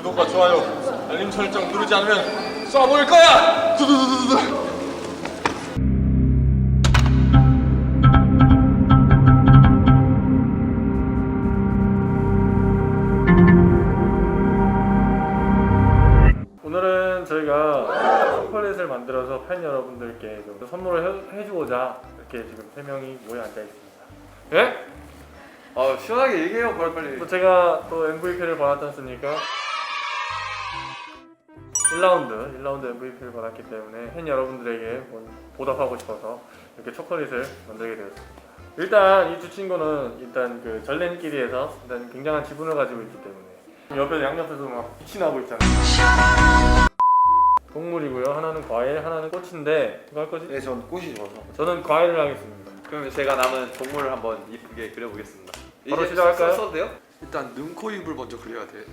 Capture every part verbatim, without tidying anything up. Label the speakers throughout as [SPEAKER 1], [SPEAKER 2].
[SPEAKER 1] 구독과 좋아요, 알림 설정 누르지 않으면 쏴버릴 거야! 두두두두두.
[SPEAKER 2] 오늘은 저희가 초콜릿을 만들어서 팬 여러분들께 좀 선물을 해, 해주고자 이렇게 지금 세 명이 모여 앉아 있습니다.
[SPEAKER 3] 예? 아 시원하게 얘기해요 빨리 빨리.
[SPEAKER 2] 또 제가 또 엠브이피를 받았지 않습니까? 일 라운드, 일 라운드 엠브이피를 받았기 때문에 팬 여러분들에게 보답하고 싶어서 이렇게 초콜릿을 만들게 되었습니다. 일단 이 두 친구는 일단 그 전랜끼리에서 일단 굉장한 지분을 가지고 있기 때문에 옆에 양옆에서 막 빛이 나고 있잖아요. 동물이고요. 하나는 과일, 하나는 꽃인데 이거 할 거지?
[SPEAKER 4] 네, 전 꽃이 좋아서.
[SPEAKER 2] 저는 과일을 하겠습니다.
[SPEAKER 3] 그러면 제가 남은 동물을 한번 이쁘게 그려보겠습니다.
[SPEAKER 2] 바로
[SPEAKER 3] 이제
[SPEAKER 2] 시작할까요?
[SPEAKER 3] 써, 써도 돼요? 일단 눈, 코, 입을 먼저 그려야 돼.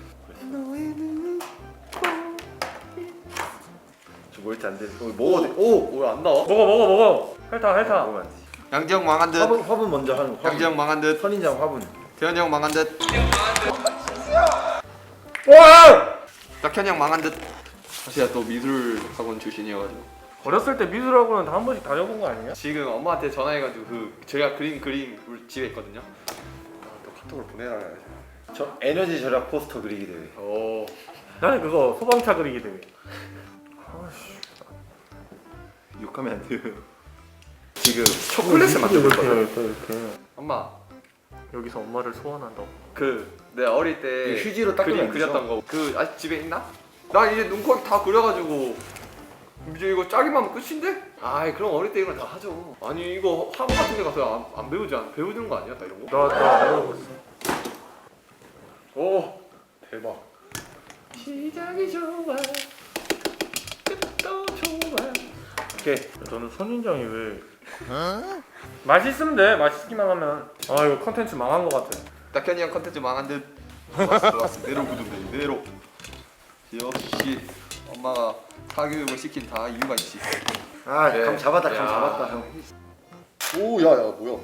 [SPEAKER 4] 저 뭘지 안 돼. 어, 먹어도 돼. 오!
[SPEAKER 3] 왜 안 나와?
[SPEAKER 2] 먹어 먹어 먹어. 핥아 핥아.
[SPEAKER 4] 먹으면 안 돼.
[SPEAKER 3] 양지영 망한 듯.
[SPEAKER 4] 화분, 화분 먼저 하는 거. 화분.
[SPEAKER 3] 양지영 망한 듯.
[SPEAKER 4] 선인장 화분.
[SPEAKER 3] 태현이 형 망한 듯.
[SPEAKER 2] 와!
[SPEAKER 3] 딱현이 형 망한 듯. 제가 또 미술 학원 출신이어가지고
[SPEAKER 2] 어렸을 때 미술학원은 다 한 번씩 다녀본 거 아니야?
[SPEAKER 3] 지금 엄마한테 전화해가지고 그 제가 그린 그림 우리 집에 있거든요. 아, 또 카톡을 보내라 해야지.
[SPEAKER 4] 저 에너지 절약 포스터 그리기 대회.
[SPEAKER 3] 오.
[SPEAKER 2] 나는 그거 소방차 그리기 대회. 아씨.
[SPEAKER 4] 욕하면 안 돼요. 지금 초콜릿을
[SPEAKER 2] 이렇게
[SPEAKER 4] 만들고 있거든.
[SPEAKER 2] 이렇게 이렇게.
[SPEAKER 3] 엄마
[SPEAKER 2] 여기서 엄마를 소환한다고.
[SPEAKER 3] 그 내가 어릴 때
[SPEAKER 4] 휴지로 닦으면
[SPEAKER 3] 그림
[SPEAKER 4] 안 되죠?
[SPEAKER 3] 그렸던 거 그 아직 집에 있나? 나 이제 눈코입 다 그려가지고 이제 이거 짜기만 하면 끝인데? 아이 그럼 어릴 때 이런 거 다 하죠. 아니 이거 학원 같은 데 가서 안, 안 배우지 않 배우는 거 아니야 다 이런 거?
[SPEAKER 2] 나나안 배워봤어.
[SPEAKER 3] 오 대박. 시작이 좋아 끝도 좋아.
[SPEAKER 2] 오케이. 저는 선인장이 왜? 맛있으면 돼. 맛있기만 하면. 아 이거 컨텐츠 망한 거 같아.
[SPEAKER 3] 딱현이 형 컨텐츠 망한 듯. 좋았어 좋았어. 내로 구두대 내로. 역시 엄마가 사교육을 시킨 다 이유가 있지.
[SPEAKER 4] 아,
[SPEAKER 3] 네.
[SPEAKER 4] 감 잡았다. 감
[SPEAKER 3] 야.
[SPEAKER 4] 잡았다. 형.
[SPEAKER 3] 오 야야 뭐야?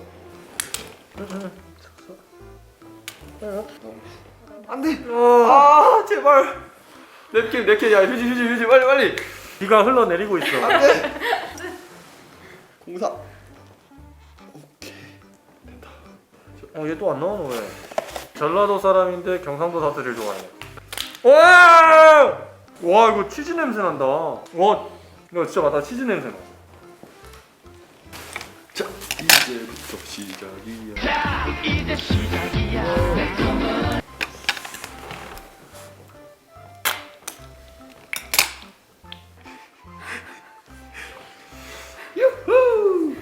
[SPEAKER 3] 안돼. 아 제발. 냅킨 냅킨 야 휴지 휴지 휴지 빨리 빨리.
[SPEAKER 2] 비가 흘러내리고 있어.
[SPEAKER 3] 안돼. 공사.
[SPEAKER 2] 어 얘 또 안 나오는 왜? 전라도 사람인데 경상도 사투리를 좋아해. 와! 와 이거 치즈 냄새 난다. 와 이거 진짜 맞다 치즈 냄새 나.
[SPEAKER 3] 자 이제부터 시작이야.
[SPEAKER 5] 이제 시작이야.
[SPEAKER 3] 유후.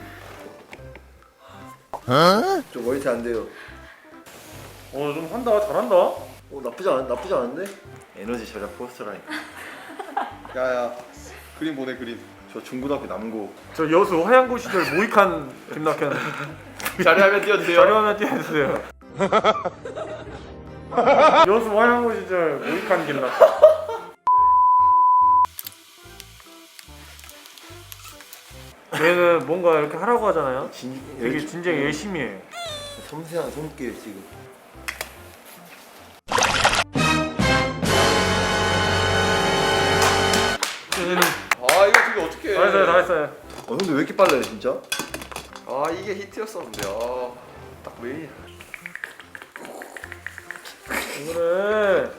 [SPEAKER 4] 좀 멀티 안 돼요.
[SPEAKER 2] 어좀 한다 잘한다.
[SPEAKER 4] 어, 나쁘지 않 나쁘지 않은데? 에너지 절약 포스터라니까.
[SPEAKER 3] 야야 그림 보내 그림.
[SPEAKER 4] 저 중고등학교 남고.
[SPEAKER 2] 저 여수 화양고 시절 모익한 김낙현.
[SPEAKER 3] 자리하면 띄워주세요.
[SPEAKER 2] 자료화면 띄워주세요. 여수 화양고 시절 모익한 김낙현. 얘는 뭔가 이렇게 하라고 하잖아요.
[SPEAKER 4] 진,
[SPEAKER 2] 되게 진짜 열심히 해.
[SPEAKER 4] 섬세한 손길 지금.
[SPEAKER 2] 얘는
[SPEAKER 3] 아 이거 되게 어떻게?
[SPEAKER 2] 다 했어요 다 했어요.
[SPEAKER 4] 어, 근데 왜 이렇게 빨라요, 진짜?
[SPEAKER 3] 아 이게 히트였었는데 아딱 메인.
[SPEAKER 2] 그래.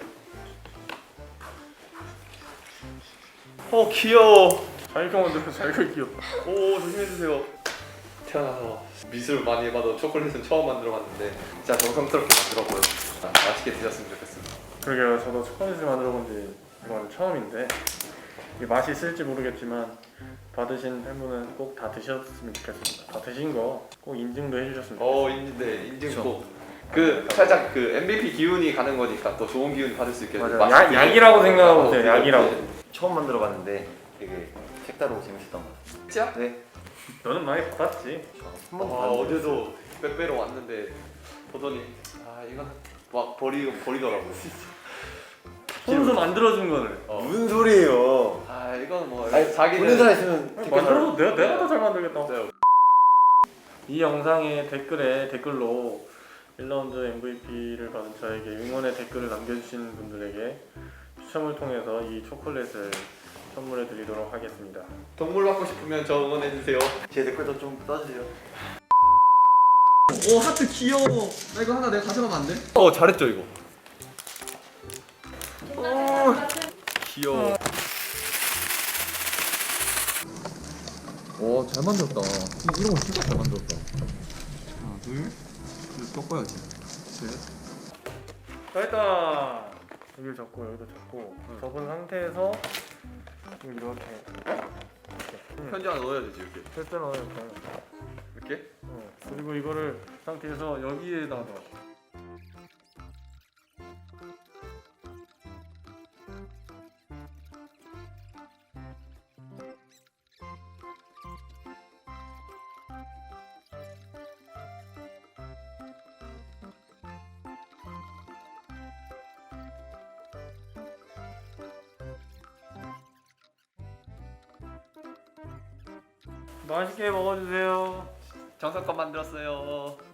[SPEAKER 3] 어 귀여워.
[SPEAKER 2] 자기가 만들면 자기가 귀엽다.
[SPEAKER 3] 오 조심해주세요. 태어나서 미술 많이 해봐도 초콜릿은 처음 만들어봤는데 진짜 정성스럽게 만들었고요. 아, 맛있게 드셨으면 좋겠습니다.
[SPEAKER 2] 그러게요. 저도 초콜릿을 만들어 본 지 이건 처음인데 이게 맛이 있을지 모르겠지만 받으신 팬분은 꼭 다 드셨으면 좋겠습니다. 다 드신 거 꼭 인증도 해주셨으면 좋겠습니다.
[SPEAKER 3] 어 인증돼 인증 꼭그 살짝 그 엠브이피 기운이 가는 거니까 또 좋은 기운 받을 수 있게.
[SPEAKER 2] 맞아요. 약, 약이라고 생각하고 있어요. 약이라고.
[SPEAKER 4] 처음 만들어 봤는데 되게 색다르고 재밌었던 것 같아요.
[SPEAKER 3] 진짜?
[SPEAKER 4] 네.
[SPEAKER 2] 너는 많이 받았지.
[SPEAKER 4] 한
[SPEAKER 3] 아,
[SPEAKER 4] 번도 안
[SPEAKER 3] 어제도 빼빼로 왔는데 보더니 아 이거는 막 버리 버리더라고.
[SPEAKER 2] 손수 만들어준 거를.
[SPEAKER 3] 어.
[SPEAKER 4] 무슨 소리예요?
[SPEAKER 3] 아 이건 뭐
[SPEAKER 4] 아니,
[SPEAKER 3] 자기는
[SPEAKER 4] 보는 사람 있으면 댓글
[SPEAKER 2] 만들어도 내가 내가 더 잘 만들겠다.
[SPEAKER 3] 네.
[SPEAKER 2] 이 영상의 댓글에 댓글로 일 라운드 엠브이피를 받은 저에게 응원의 댓글을 남겨주신 분들에게 추첨을 통해서 이 초콜릿을 선물해 드리도록 하겠습니다.
[SPEAKER 3] 동물 받고 싶으면 저 응원해 주세요.
[SPEAKER 4] 제 댓글도 좀 써주세요.
[SPEAKER 3] 오 하트 귀여워. 나 이거 하나 내가 가져가면 안 돼? 어 잘했죠 이거. 어 귀여워. 오 잘 만들었다. 이런 거 진짜 잘 만들었다. 하나 둘, 둘 꺾어야지. 셋.
[SPEAKER 2] 자, 일단 여기를 잡고 여기도 잡고 접은 상태에서 이렇게 이렇게
[SPEAKER 3] 편지 하나 넣어야 되지 이렇게.
[SPEAKER 2] 패스 넣어야 돼.
[SPEAKER 3] 이렇게?
[SPEAKER 2] 어, 그리고 이거를 상태에서 여기에다가 맛있게 먹어주세요.
[SPEAKER 3] 정성껏 만들었어요.